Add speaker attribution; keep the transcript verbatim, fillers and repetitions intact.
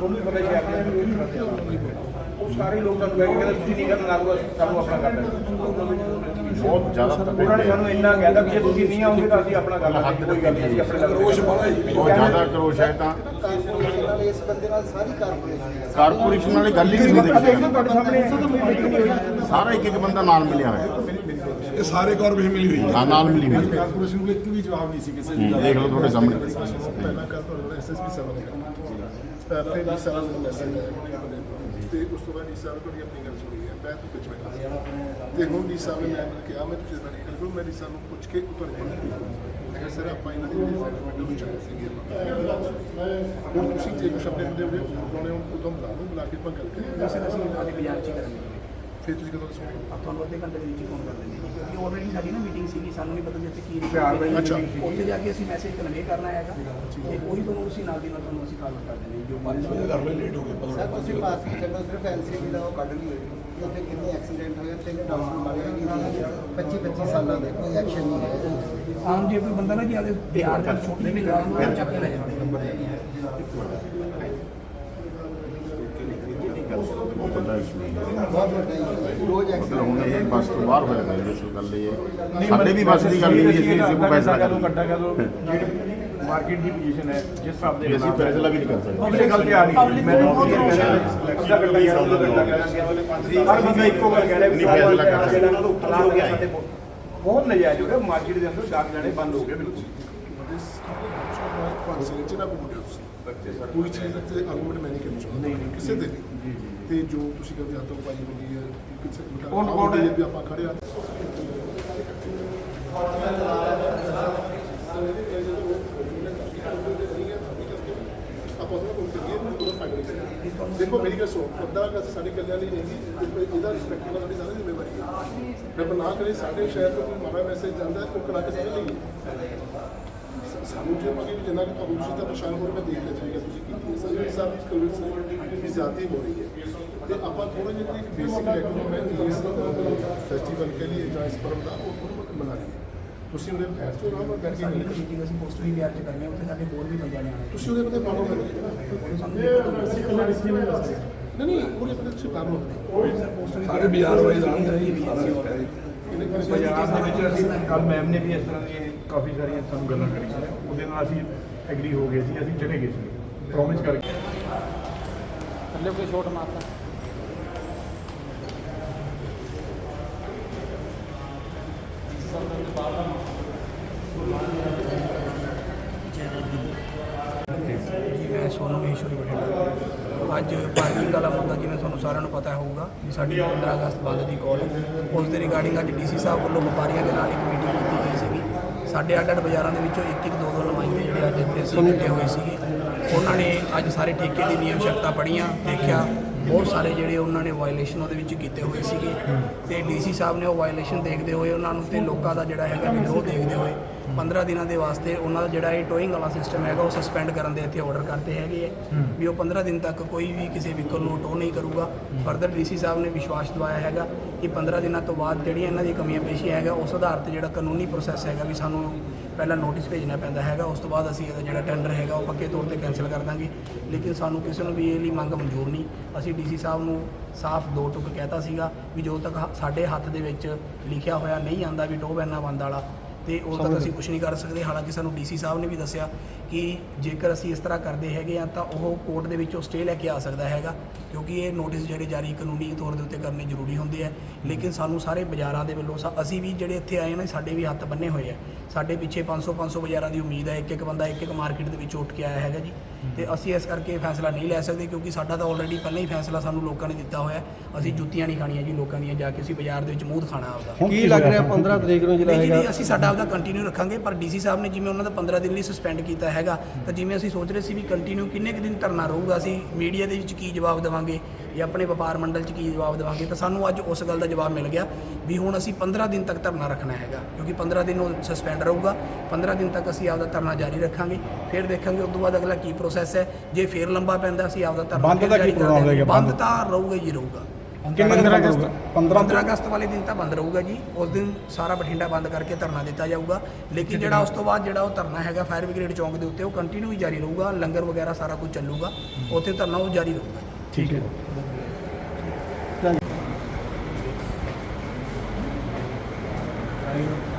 Speaker 1: ਤੁਹਾਨੂੰ ਵੀ ਪਤਾ ਸ਼ਹਿਰ ਦੇ ਉਹ ਸਾਰੇ ਲੋਕ ਸਾਨੂੰ ਕਹਿ ਕੇ ਕਹਿੰਦੇ ਤੁਸੀਂ ਨਹੀਂ ਕਰਨਾ ਨਾ ਸਾਨੂੰ ਆਪਣਾ ਕਰਨਾ
Speaker 2: ਬਹੁਤ ਜ਼ਿਆਦਾ
Speaker 1: ਉਹਨਾਂ ਨੇ ਸਾਨੂੰ ਇੰਨਾ ਕਹਿਦਾ ਕਿ ਜੇ ਤੁਸੀਂ ਨਹੀਂ ਆਓਗੇ ਤਾਂ ਅਸੀਂ ਆਪਣਾ ਕਰਨਾ ਹੱਦ ਕੋਈ ਗੱਲ ਨਹੀਂ ਅਸੀਂ ਆਪਣੇ
Speaker 2: ਕਰੋਸ਼ ਬੜਾ ਜੀ ਬਹੁਤ ਜ਼ਿਆਦਾ ਕਰੋਸ਼ ਹੈ ਤਾਂ
Speaker 3: ਇਸ ਬੰਦੇ ਨਾਲ ਸਾਰੀ ਕਾਰਪੋਰੇਸ਼ਨ
Speaker 2: ਕਾਰਪੋਰੇਸ਼ਨ ਵਾਲੀ ਗੱਲ ਹੀ ਨਹੀਂ ਹੁੰਦੀ
Speaker 1: ਤੁਹਾਡੇ ਸਾਹਮਣੇ
Speaker 2: ਸਾਰਾ ਇੱਕ ਇੱਕ ਬੰਦਾ ਨਾਲ ਮਿਲਿਆ ਹੋਇਆ
Speaker 4: ਇਹ ਸਾਰੇ ਕਾਰਪੋਰੇਸ਼ਨ ਮਿਲੀ ਹੋਈ ਹੈ
Speaker 2: ਹਾਂ ਨਾਲ ਮਿਲੀ ਹੋਈ ਹੈ
Speaker 4: ਕਾਰਪੋਰੇਸ਼ਨ ਨੂੰ ਇੱਕ ਵੀ ਜਵਾਬ ਨਹੀਂ ਸੀ ਕਿਸੇ
Speaker 2: ਹੂੰ, ਦੇਖ ਲਓ ਤੁਹਾਡੇ ਸਾਹਮਣੇ
Speaker 4: ਪਹਿਲਾਂ ਕੱਲ ਤੁਹਾਡੇ ਐਸਐਸਪੀ ਸਾਹਿਬ ਨੇ ਪਹਿਲਾਂ ਵੀ ਸਾਰਾ ਮੈਸੇਜ ਆਇਆ ਤੇ ਉਸ ਤੋਂ ਬਾਅਦ ਡੀ ਸਾਹਿਬ ਤੁਹਾਡੀ ਆਪਣੀ ਗੱਲ ਸੁਣੀ ਹੈ ਮੈਂ ਤਾਂ ਕੁਝ ਬੈਠਾ ਤੇ ਹੁਣ ਡੀ ਸਾਹਿਬ ਨੇ ਮੈਨੂੰ ਕਿਹਾ ਮੈਂ ਤੁਸੀਂ ਸਾਡੀ ਗੱਲ ਕਰੋ ਮੈਂ ਡੀ ਸਾਹਿਬ ਨੂੰ ਪੁੱਛ ਕੇ ਤੁਹਾਡੇ ਕੋਲ ਸਰ ਆਪਾਂ ਇਹਨਾਂ ਦੀ ਸੈਟਲਮੈਂਟ ਨੂੰ ਚਾਹੀਏ ਸੀਗੀ ਹੁਣ ਤੁਸੀਂ ਜੇ ਕੁਛ ਆਪਣੇ ਹੁੰਦੇ ਹੋਵੇ ਉਹਨਾਂ ਨੇ ਉਦੋਂ ਬੁਲਾ ਲਓ ਬੁਲਾ ਕੇ ਆਪਾਂ ਗੱਲ ਕਰੀਏ
Speaker 5: ਵੈਸੇ ਅਸੀਂ ਅੱਜ ਬਾਜ਼ਾਰ 'ਚ ਕਰਾਂਗੇ
Speaker 4: ਫਿਰ ਤੁਸੀਂ ਕਦੋਂ ਦੱਸੋਗੇ
Speaker 5: ਤੁਹਾਨੂੰ ਅੱਧੇ ਘੰਟੇ ਦੇ ਵਿੱਚ ਹੀ ਫੋਨ ਕਰ ਦਿੰਦੇ ਜੀ ਕਿਉਂਕਿ ਆਲਰੇਡੀ ਸਾਡੀ ਨਾ ਮੀਟਿੰਗ ਸੀਗੀ ਸਾਨੂੰ ਨਹੀਂ ਪਤਾ ਜਿੱਥੇ ਕੀ
Speaker 1: ਪਿਆਰ ਨਾਲ
Speaker 4: ਅੱਛਾ
Speaker 5: ਉੱਥੇ ਜਾ ਕੇ ਅਸੀਂ ਮੈਸੇਜ ਕਨਵੇ ਕਰਨਾ ਹੈਗਾ ਤੇ ਉਹੀ ਤੁਹਾਨੂੰ ਅਸੀਂ ਨਾਲ ਦੀ ਨਾਲ ਤੁਹਾਨੂੰ ਅਸੀਂ ਕਾਲ ਕਰ ਦਿੰਦੇ ਜੋ ਪੰਜ ਵਜੇ
Speaker 4: ਘਰ ਵਿੱਚ ਲੇਟ ਹੋ ਗਏ
Speaker 3: ਸਰ ਤੁਸੀਂ ਪਾਸ ਕੀ ਕਰਨਾ ਸਿਰਫ ਐਲਸੀਬੀ ਦਾ ਉਹ ਕੱਢ ਲਈ ਹੋਈ ਉੱਥੇ ਕਿੰਨੇ ਐਕਸੀਡੈਂਟ ਹੋਏ ਤੇ ਡਾਕਟਰ ਮਾਰੇ ਕਿ ਪੱਚੀ ਪੱਚੀ ਸਾਲਾਂ ਦੇ ਕੋਈ ਐਕਸ਼ਨ ਨਹੀਂ ਹੈ
Speaker 5: ਆਮ ਜੇ ਕੋਈ ਬੰਦਾ ਨਾ ਜੀ ਆਦੇ ਬਿਹਾਰ ਦਾ ਛੋਟੀ ਜਿਹੀ ਗੱਲ ਨੂੰ ਚੱਕ ਕੇ ਲੈ ਜਾਂਦੇ
Speaker 2: ਬਹੁਤ ਵੱਡਾ ਇਸ਼ੂ ਹੈ
Speaker 3: ਬਹੁਤ ਵੱਡਾ issue, ਰੋਜ਼
Speaker 2: ਮਤਲਬ
Speaker 3: ਐਕਸੀਡੈਂਟ
Speaker 2: ਹੁਣ ਇਹ ਬੱਸ ਤੋਂ ਬਾਹਰ ਹੋ ਜਾਂਦਾ ਇਸ ਗੱਲ ਇਹ ਹੈ ਸਾਡੇ ਵੀ ਬੱਸ ਦੀ ਗੱਲ ਨਹੀਂ ਅਸੀਂ ਕਿਸੇ ਨੂੰ ਫੈਸਲਾ ਕਰ
Speaker 1: ਕੱਟਾ ਕਰ ਲਓ ਜਿਹੜੀ ਮਾਰਕੀਟ ਦੀ ਪੋਜੀਸ਼ਨ ਹੈ ਜਿਸ ਹਿਸਾਬ ਦੇ
Speaker 2: ਅਸੀਂ ਫੈਸਲਾ ਵੀ ਨਹੀਂ ਕਰ ਸਕਦੇ
Speaker 1: ਪਬਲਿਕ ਗੱਲ ਤੇ ਆ ਰਹੀ ਮੈਂ ਅੱਧਾ ਘੰਟਾ ਜਾਂ ਅੱਧਾ ਘੰਟਾ ਕਰਾਂਗੇ ਹਰ ਬੰਦਾ ਇੱਕੋ ਗੱਲ ਕਹਿ ਰਿਹਾ
Speaker 2: ਨਹੀਂ ਫੈਸਲਾ ਕਰ ਸਕਦੇ
Speaker 1: ਇਹਨਾਂ ਨੂੰ ਉੱਪਰ ਹੋ ਗਿਆ ਸਾਡੇ ਬਹੁਤ ਨਜਾਇਜ਼ ਹੋ ਗਿਆ ਮਾਰਕੀਟ ਦੇ ਅੰਦਰ ਡਾਕ ਜਾਣੇ ਬੰਦ ਹੋ ਗਏ ਬਿਲਕੁਲ
Speaker 4: ਪੰਜ ਸਾਲ ਚ ਨਾ ਬੋਲਿਓ ਤੁਸੀਂ ਕੋਈ ਚੀਜ਼ ਤੇ ਆਰਗੂਮੈਂਟ ਮੈਂ ਨਹੀਂ ਕਰਨਾ ਚਾਹੁੰਦਾ ਨਹੀਂ ਕਿਸੇ ਦੇ ਨਹੀਂ ਤੇ ਜੋ ਤੁਸੀਂ ਕਹਿੰਦੇ ਹੱਥੋਂ ਪਾਈ ਹੋਈ ਹੈ ਕਿਸੇ
Speaker 1: ਕੌਣ- ਕੌਣ ਹੈ?
Speaker 4: ਵੀ ਆਪਾਂ ਖੜੇ ਆ ਆਪਾਂ ਉਹਨਾਂ ਕੋਲ ਕਰੀਏ ਉਹਦਾ ਫਾਇਦਾ ਨਹੀਂ ਦੇਖੋ ਮੇਰੀ ਗੱਲ ਸੁਣੋ ਅੱਧਾ ਅਗਰ ਸਾਡੇ ਕੱਲਿਆਂ ਲਈ ਨਹੀਂ ਜੀ ਇਹਦਾ ਰਿਸਪੈਕਟ ਨਾਲ ਸਾਡੀ ਸਾਰੀ ਜ਼ਿੰਮੇਵਾਰੀ ਹੈ ਰੱਬ ਨਾ ਕਰੇ ਸਾਡੇ ਸ਼ਹਿਰ ਤੋਂ ਕੋਈ ਮਾੜਾ ਮੈਸੇਜ ਜਾਂਦਾ ਉਹ ਕਲਾ ਕੇ ਸਾਰੇ ਲਈ ਸਾਨੂੰ ਜੇ ਮਗੇ ਜਿੰਨਾ ਕਿ ਤੁਹਾਨੂੰ ਤੁਸੀਂ ਤਾਂ ਪਛਾਣ ਹੋ ਮੈਂ ਦੇਖ ਲਿਆ ਜਾਏਗਾ ਤੁਸੀਂ ਕੀਤੀ ਹੈ ਸਾਰੇ ਸਾਹਿਬ ਦੀ ਕਵਰੇਜ ਦੀ ਜ਼ਿਆਦਾ ਹੋ ਰਹੀ ਹੈ ਤੇ ਆਪਾਂ ਥੋੜਾ ਜਿਹਾ ਇੱਕ ਬੇਸਿਕ ਲੈਵਲ ਇਸ ਫੈਸਟੀਵਲ ਕੇ ਲਈ ਜਾਂ ਇਸ ਪਰਮ ਦਾ ਉਹ ਥੋੜਾ ਮਨਾ ਲਈਏ ਤੁਸੀਂ ਉਹਦੇ ਬੈਠ ਤੋਂ ਆਰਾਮ ਨਾਲ ਬੈਠ ਕੇ
Speaker 5: ਮੀਟਿੰਗ ਅਸੀਂ ਪੋਸਟਰ ਵੀ ਬਿਹਾਰ 'ਚ ਕਰਨੇ ਉੱਥੇ ਸਾਡੇ ਹੋਰ ਵੀ ਬੰਦਿਆਂ ਨੇ ਆਉਣਾ
Speaker 4: ਤੁਸੀਂ ਉਹਦੇ ਬੰਦੇ ਪਾਲੋ ਕਰਦੇ ਨਹੀਂ ਨਹੀਂ ਉਹਦੇ ਬੰਦੇ ਤੁਸੀਂ ਪਾਲੋ
Speaker 5: ਸਾਰੇ ਬਾਜ਼ਾਰ ਵਾਲੇ ਜਾਣਦੇ
Speaker 1: ਬਾਜ਼ਾਰ ਦੇ ਵਿੱਚ ਅਸੀਂ ਕੱਲ ਮੈਮ ਨੇ ਵੀ ਇਸ ਤਰ੍ਹਾਂ ਦੀਆਂ ਕਾਫੀ ਸਾਰੀਆਂ ਸਾਨੂੰ ਗੱਲਾਂ ਕਰੀਆਂ ਉਹਦੇ ਨਾਲ ਅਸੀਂ ਐਗਰੀ ਹੋ ਗਏ ਸੀ ਅਸੀਂ ਚਲੇ ਗਏ ਸੀ ਪ੍ਰੋਮਿਸ ਕਰਕੇ
Speaker 5: ਥੱਲੇ ਕੋਈ ਛੋਟ ਮਾਰਦਾ ਜੀ ਮੈਂ ਸੋਨੂੰ ਮਹੇਸ਼ਵਰੀ ਬਠਿੰਡਾ ਅੱਜ ਪਾਰਕਿੰਗ ਵਾਲਾ ਮੁੱਦਾ ਜਿਵੇਂ ਤੁਹਾਨੂੰ ਸਾਰਿਆਂ ਨੂੰ ਪਤਾ ਹੋਊਗਾ ਵੀ ਸਾਡੀ ਪੰਦਰਾਂ ਅਗਸਤ ਬੰਦ ਦੀ ਕਾਲ ਉਸ ਦੇ ਰਿਗਾਰਡਿੰਗ ਅੱਜ ਡੀਸੀ ਸਾਹਿਬ ਵੱਲੋਂ ਵਪਾਰੀਆਂ ਦੇ ਨਾਲ ਇੱਕ ਮੀਟਿੰਗ ਕੀਤੀ ਗਈ ਸੀਗੀ ਸਾਡੇ ਅੱਡ ਅੱਡ ਬਾਜ਼ਾਰਾਂ ਦੇ ਵਿੱਚੋਂ ਇੱਕ ਇੱਕ ਦੋ ਦੋ ਨੁਮਾਇੰਦੇ ਜਿਹੜੇ ਅੱਜ ਇੱਥੇ ਅਸੀਂ ਇਕੱਠੇ ਹੋਏ ਸੀਗੇ ਉਹਨਾਂ ਨੇ ਅੱਜ ਸਾਰੇ ਠੇਕੇ ਦੀ ਨਿਯਮ ਸ਼ਰਤਾਂ ਪੜ੍ਹੀਆਂ ਦੇਖਿਆ ਬਹੁਤ ਸਾਰੇ ਜਿਹੜੇ ਉਹਨਾਂ ਨੇ ਵਾਇਲੇਸ਼ਨ ਉਹਦੇ ਵਿੱਚ ਕੀਤੇ ਹੋਏ ਸੀਗੇ ਤੇ ਡੀਸੀ ਸਾਹਿਬ ਨੇ ਉਹ ਵਾਇਲੇਸ਼ਨ ਦੇਖਦੇ ਹੋਏ ਉਹਨਾਂ ਨੂੰ ਤੇ ਲੋਕਾਂ ਦਾ ਜਿਹੜਾ ਹੈਗਾ ਵਿਰੋਧ ਦੇਖਦੇ ਹੋਏ ਪੰਦਰਾਂ ਦਿਨਾਂ ਦੇ ਵਾਸਤੇ ਉਹਨਾਂ ਦਾ ਜਿਹੜਾ ਇਹ ਟੋਇੰਗ ਵਾਲਾ ਸਿਸਟਮ ਹੈਗਾ ਉਹ ਸਸਪੈਂਡ ਕਰਨ ਦੇ ਇੱਥੇ ਆਰਡਰ ਕਰਤੇ ਹੈਗੇ ਹੈ ਵੀ ਉਹ ਪੰਦਰਾਂ ਦਿਨ ਤੱਕ ਕੋਈ ਵੀ ਕਿਸੇ ਵਹੀਕਲ ਨੂੰ ਟੋ ਨਹੀਂ ਕਰੂਗਾ ਫਰਦਰ ਡੀਸੀ ਸਾਹਿਬ ਨੇ ਵਿਸ਼ਵਾਸ ਦਿਵਾਇਆ ਹੈਗਾ ਕਿ ਪੰਦਰਾਂ ਦਿਨਾਂ ਤੋਂ ਬਾਅਦ ਜਿਹੜੀਆਂ ਇਹਨਾਂ ਦੀ ਕਮੀਆਂ ਪੇਸ਼ੀਆਂ ਹੈਗਾ ਉਸ ਆਧਾਰ ਤੇ ਜਿਹੜਾ ਕਾਨੂੰਨੀ ਪ੍ਰੋਸੈਸ ਹੈਗਾ ਵੀ ਸਾਨੂੰ ਪਹਿਲਾਂ ਨੋਟਿਸ ਭੇਜਣਾ ਪੈਂਦਾ ਹੈਗਾ ਉਸ ਤੋਂ ਬਾਅਦ ਅਸੀਂ ਇਹਦਾ ਜਿਹੜਾ ਟੈਂਡਰ ਹੈਗਾ ਉਹ ਪੱਕੇ ਤੌਰ ਤੇ ਕੈਂਸਲ ਕਰ ਦਾਂਗੇ ਲੇਕਿਨ ਸਾਨੂੰ ਕਿਸੇ ਨੂੰ ਵੀ ਇਹ ਲਈ ਮੰਗ ਮਨਜ਼ੂਰ ਨਹੀਂ ਅਸੀਂ ਡੀਸੀ ਸਾਹਿਬ ਨੂੰ ਸਾਫ਼ ਦੋ ਟੁਕ ਕਹਿਤਾ ਸੀਗਾ ਵੀ ਜੋ ਤੱਕ ਸਾਡੇ ਹੱਥ ਦੇ ਵਿੱਚ ਲਿਖਿਆ ਹੋਇਆ ਨਹੀਂ ਆਂਦਾ ਵੀ ਟੋਹ ਬੈਨਾ ਬੰਦ ਵਾਲਾ ਤੇ ਉਦੋਂ ਤੱਕ ਅਸੀਂ ਕੁਝ ਨਹੀਂ ਕਰ ਸਕਦੇ ਹਾਲਾਂਕਿ ਸਾਨੂੰ ਡੀਸੀ ਸਾਹਿਬ ਨੇ ਵੀ ਦੱਸਿਆ ਕਿ ਜੇਕਰ ਅਸੀਂ ਇਸ ਤਰ੍ਹਾਂ ਕਰਦੇ ਹੈਗੇ ਆ ਤਾਂ ਉਹ ਕੋਰਟ ਦੇ ਵਿੱਚੋਂ ਸਟੇ ਲੈ ਕੇ ਆ ਸਕਦਾ ਹੈਗਾ ਕਿਉਂਕਿ ਇਹ ਨੋਟਿਸ ਜਿਹੜੇ ਜਾਰੀ ਕਾਨੂੰਨੀ ਤੌਰ ਦੇ ਉੱਤੇ ਕਰਨੇ ਜ਼ਰੂਰੀ ਹੁੰਦੇ ਆ ਲੇਕਿਨ ਸਾਨੂੰ ਸਾਰੇ ਬਾਜ਼ਾਰਾਂ ਦੇ ਵੱਲੋਂ ਅਸੀਂ ਵੀ ਜਿਹੜੇ ਇੱਥੇ ਆਏ ਨਾ ਸਾਡੇ ਵੀ ਹੱਥ ਬੰਨੇ ਹੋਏ ਆ ਸਾਡੇ ਪਿੱਛੇ ਪੰਜ ਸੌ ਪੰਜ ਸੌ ਬਾਜ਼ਾਰਾਂ ਦੀ ਉਮੀਦ ਹੈ ਇੱਕ ਇੱਕ ਬੰਦਾ ਇੱਕ ਇੱਕ ਮਾਰਕੀਟ ਦੇ ਵਿੱਚ ਉੱਠ ਕੇ ਆਇਆ ਹੈਗਾ ਜੀ ਤੇ ਅਸੀਂ ਇਸ ਕਰਕੇ ਫੈਸਲਾ ਨਹੀਂ ਲੈ ਸਕਦੇ ਕਿਉਂਕਿ ਸਾਡਾ ਤਾਂ ਆਲਰੇਡੀ ਪਹਿਲਾਂ ਹੀ ਫੈਸਲਾ ਸਾਨੂੰ ਲੋਕਾਂ ਨੇ ਦਿੱਤਾ ਹੋਇਆ ਅਸੀਂ ਜੁੱਤੀਆਂ ਨਹੀਂ ਖਾਣੀਆਂ ਜੀ ਲੋਕਾਂ ਦੀਆਂ ਜਾ ਕੇ ਅਸੀਂ ਬਾਜ਼ਾਰ ਦੇ ਵਿੱਚ ਮੂੰਹ ਦਿਖਾਣਾ ਆਪਦਾ
Speaker 3: ਕੀ ਲੱਗ ਰਿਹਾ ਪੰਦਰਾਂ ਤਰੀਕ ਨੂੰ ਜਿਹੜਾ ਹੈਗਾ
Speaker 5: ਅਸੀਂ ਸਾਡਾ ਆਪਦਾ ਕੰਟੀਨਿਊ ਰੱਖਾਂਗੇ ਪਰ ਡੀਸੀ ਸਾਹਿਬ ਨੇ ਜਿਵੇਂ ਉਹਨਾਂ ਦਾ ਪੰਦਰਾਂ ਦਿਨ ਲਈ ਸਸਪੈਂਡ ਕੀਤਾ ਹੈਗਾ ਤਾਂ ਜਿਵੇਂ ਅਸੀਂ ਸੋਚ ਰਹੇ ਸੀ ਵੀ ਕੰਟੀਨਿਊ ਕਿੰਨੇ ਕੁ ਦਿਨ ਧਰਨਾ ਰਹੂਗਾ ਅਸੀਂ ਮੀਡੀਆ ਦੇ ਵਿੱਚ ਕੀ ਜਵਾਬ ਦੇਵਾਂਗੇ ਜਾਂ ਆਪਣੇ ਵਪਾਰ ਮੰਡਲ 'ਚ ਕੀ ਜਵਾਬ ਦੇਵਾਂਗੇ ਤਾਂ ਸਾਨੂੰ ਅੱਜ ਉਸ ਗੱਲ ਦਾ ਜਵਾਬ ਮਿਲ ਗਿਆ ਵੀ ਹੁਣ ਅਸੀਂ ਪੰਦਰਾਂ ਦਿਨ ਤੱਕ ਧਰਨਾ ਰੱਖਣਾ ਹੈਗਾ ਕਿਉਂਕਿ ਪੰਦਰਾਂ ਦਿਨ ਉਹ ਸਸਪੈਂਡ ਰਹੂਗਾ ਪੰਦਰਾਂ ਦਿਨ ਤੱਕ ਅਸੀਂ ਆਪਦਾ ਧਰਨਾ ਜਾਰੀ ਰੱਖਾਂਗੇ ਫਿਰ ਦੇਖਾਂਗੇ ਉਸ ਤੋਂ ਬਾਅਦ ਅਗਲਾ ਕੀ ਪ੍ਰੋਸੈਸ ਹੈ ਜੇ ਫਿਰ ਲੰਬਾ ਪੈਂਦਾ ਅਸੀਂ ਆਪਦਾ ਧਰਨਾ
Speaker 1: ਬੰਦ ਦਾ ਕੀ ਪ੍ਰੋਗਰਾਮ ਹੋਵੇਗਾ?
Speaker 5: ਬੰਦ ਤਾਂ ਰਹੂਗਾ ਹੀ ਰਹੂਗਾ
Speaker 1: ਪੰਦਰਾਂ ਅਗਸਤ
Speaker 5: ਪੰਦਰਾਂ ਅਗਸਤ ਵਾਲੇ ਦਿਨ ਤਾਂ ਬੰਦ ਰਹੂਗਾ ਜੀ। ਉਸ ਦਿਨ ਸਾਰਾ ਬਠਿੰਡਾ ਬੰਦ ਕਰਕੇ ਧਰਨਾ ਦਿੱਤਾ ਜਾਊਗਾ। ਲੇਕਿਨ ਜਿਹੜਾ ਉਸ ਤੋਂ ਬਾਅਦ ਜਿਹੜਾ ਉਹ ਧਰਨਾ ਹੈਗਾ ਫਾਇਰ ਬ੍ਰਿਗੇਡ ਚੌਂਕ ਦੇ ਉੱਤੇ ਉਹ ਕੰਟੀਨਿਊ ਹੀ ਜਾਰੀ ਰਹੂਗਾ। ਲੰਗਰ ਵਗੈਰਾ ਸਾਰਾ ਕੁਝ ਚੱਲੂਗਾ ਉੱਥੇ ਧਰਨਾ ਉਹ ਜਾਰੀ ਰਹੂਗਾ।
Speaker 1: ਠੀਕ ਹੈ।
Speaker 3: Thank you.